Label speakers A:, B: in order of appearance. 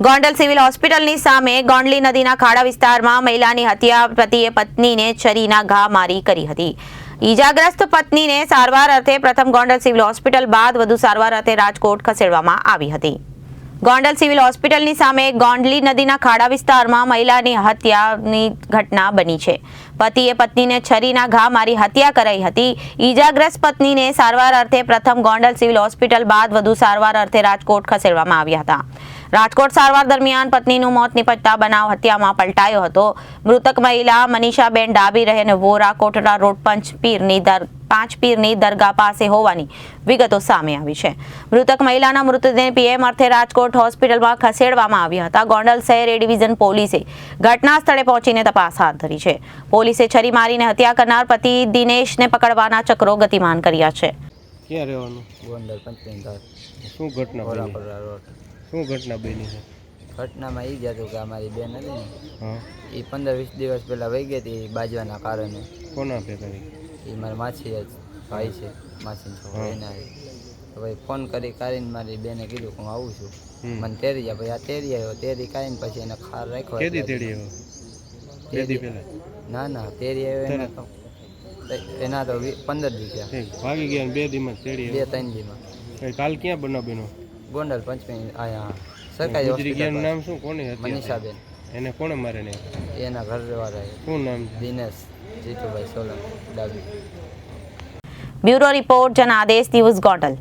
A: Gondal civil હોસ્પિટલની સામે ગોંડલી નદીના ખાડા વિસ્તારમાં મહિલાની હત્યા, પતિએ પત્નીને છરીના ઘા મારી કરી હતી। ઈજાગ્રસ્ત પત્નીને સારવાર અર્થે પ્રથમ ગોંડલ સિવિલ હોસ્પિટલ બાદ વધુ સારવાર અર્થે રાજકોટ ખસેડવામાં આવી હતી। ગોંડલ સિવિલ હોસ્પિટલની સામે ગોંડલી નદીના ખાડા વિસ્તારમાં મહિલાની હત્યાની ઘટના બની છે। પતિએ પત્નીને છરીના ઘા મારી હત્યા કરાઈ હતી। ઈજાગ્રસ્ત પત્નીને સારવાર અર્થે પ્રથમ ગોંડલ સિવિલ હોસ્પિટલ બાદ વધુ સારવાર અર્થે રાજકોટ ખસેડવામાં આવ્યા હતા। રાજકોટ સારવાર દરમિયાન પત્નીનું મોત નિપજતા બનાવ હત્યામાં પલટાયો હતો। મૃતક મહિલા મનીષાબેન ડાબી રહે વોરા કોટડા રોડ પાંચ પીરની દરગાહ પાસે હોવાની વિગતો સામે આવી છે। મૃતક મહિલાના મૃતદેહ પીએમ અર્થે રાજકોટ હોસ્પિટલમાં ખસેડવામાં આવ્યા હતા। ગોંડલ શહેર એ ડિવિઝન પોલીસે ઘટના સ્થળે પહોંચીને તપાસ હાથ ધરી છે। પોલીસે છરી મારીને હત્યા કરનાર પતિ દિનેશને પકડવાના ચક્રો ગતિમાન કર્યા છે।
B: ક્યાં રહેવાનું?
C: ગોંડલ પંચમેન
B: શું ઘટના બની? શું ઘટના બની છે?
C: ઘટનામાં એ જ હતું કે અમારી બેન હતી ને,
B: હા,
C: એ 15-20 દિવસ પહેલાં વહી ગઈ હતી બાજવાના કારણે।
B: કોના ભેગા?
C: એ મારી માછી જ ભાઈ છે, માસીનો છોકરો એના તો ભાઈ ફોન કરીને મારી બેને કીધું કે હું આવું છું, મને તેડી જા। ભાઈ આ તેડી આવ્યો, તેડી કાઢીને પછી એને ખાર રાખ્યો।
B: કેદી તેડી આવ્યો? કેદી પહેલા?
C: ના ના, તેડી આવ્યો એના તો 15 દી થયા।
B: ભાગી ગયા 2 દીમાં તેડી આવ્યો?
C: 2-3 દીમાં।
B: કાલ ક્યાં બનાવ બન્યો?
C: ગોંડલ પંચમેન આયા સરકારી
B: હોસ્પિટલનું નામ શું? કોની હતી?
C: મનીષાબેન।
B: એને કોણે મારેને?
C: એના ઘરવાળાએ।
B: શું નામ છે?
C: દિનેશ જીતુભાઈ સોલંકી ડાબી।
A: Bureau report, Janadesh news, Gondal.